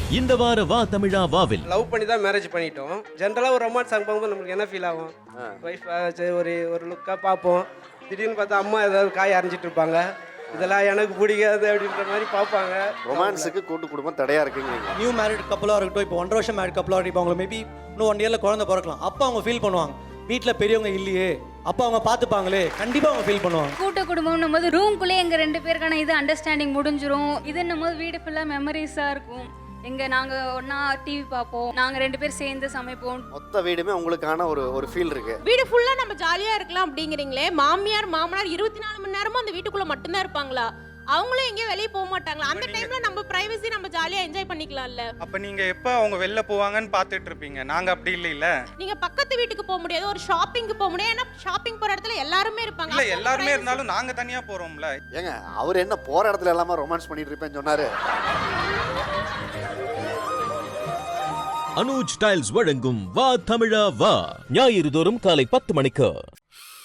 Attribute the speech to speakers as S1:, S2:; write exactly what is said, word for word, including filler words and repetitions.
S1: இந்த வார வா தமிழா வாவில்
S2: லவ் பண்ணி தான் மேரேஜ் பண்ணிட்டோம். ஜென்ரலாக ஒரு ரொமான்ஸ் சாங் பார்க்கும்போது நம்மளுக்கு என்ன ஃபீல் ஆகும்? ஒய்ஃப் சரி ஒரு ஒரு லுக்காக பார்ப்போம். திடீர்னு பார்த்தா அம்மா ஏதாவது காய் அரைஞ்சிட்டு இருப்பாங்க. இதெல்லாம் எனக்கு பிடிக்காது அப்படின்ற மாதிரி பார்ப்பாங்க.
S3: ரொமான்ஸுக்கு கூட்டு குடும்பம் தடையா இருக்குங்க.
S4: நியூ மேரிட் கப்பலாக இருக்கட்டும், இப்போ ஒன்றரை வருஷம் மேரிட் கப்பலாக இப்போ அவங்க மேபி இன்னும் ஒன் இயரில் குழந்தை பிறக்கலாம். அப்போ அவங்க ஃபீல் பண்ணுவாங்க, வீட்டில் பெரியவங்க இல்லையே, அப்போ அவங்க பார்த்துப்பாங்களே, கண்டிப்பாக அவங்க ஃபீல் பண்ணுவாங்க.
S5: கூட்ட குடும்பம்னும் போது ரூம்குள்ளே எங்கள் ரெண்டு பேருக்கான இது அண்டர்ஸ்டாண்டிங் முடிஞ்சிரும். இதுன்னும் போது வீடு ஃபுல்லாக மெமரிஸாக இருக்கும். எங்க நாங்க ஒண்ணா டிவி பார்ப்போம், நாங்க ரெண்டு பேர் சேர்ந்து சமைப்போம்.
S3: மொத்த வீடுமே உங்களுக்கான ஒரு ஒரு ஃபீல் இருக்கு.
S6: வீடு ஃபுல்லா நம்ம ஜாலியா இருக்கலாம் அப்படிங்கிறீங்களே, மாமியார் மாமனார் இருபத்தி நாலு மணி நேரமும் அந்த வீட்டுக்குள்ள மட்டும்தான் இருப்பாங்களா? அவங்களும் எங்கேயும் வெளியே போக மாட்டாங்களா? அந்த டைம்ல நம்ம பிரைவசி நம்ம ஜாலியா என்ஜாய் பண்ணிக்கலாம்ல.
S7: அப்ப நீங்க எப்ப அவங்க வெளில போவாங்கன்னு பாத்துட்டு இருப்பீங்க. நாங்க அப்படி இல்ல இல்ல.
S6: நீங்க பக்கத்து வீட்டுக்கு போக முடியாது, ஒரு ஷாப்பிங்க்கு போக முடியாது. ஏன்னா ஷாப்பிங் போற இடத்துல எல்லாருமே இருப்பாங்க.
S7: இல்ல எல்லாருமே இருந்தாலும் நாங்க தனியா போறோம்ல.
S3: ஏங்க அவர் என்ன போற இடத்துல எல்லாமே ரொமான்ஸ் பண்ணிட்டு இருப்பேன்னு சொன்னாரு.
S1: அனுஜ் டைல்ஸ் வழங்கும் வா தமிழா வா ஞாயிறு தோறும் காலை பத்து மணிக்கு.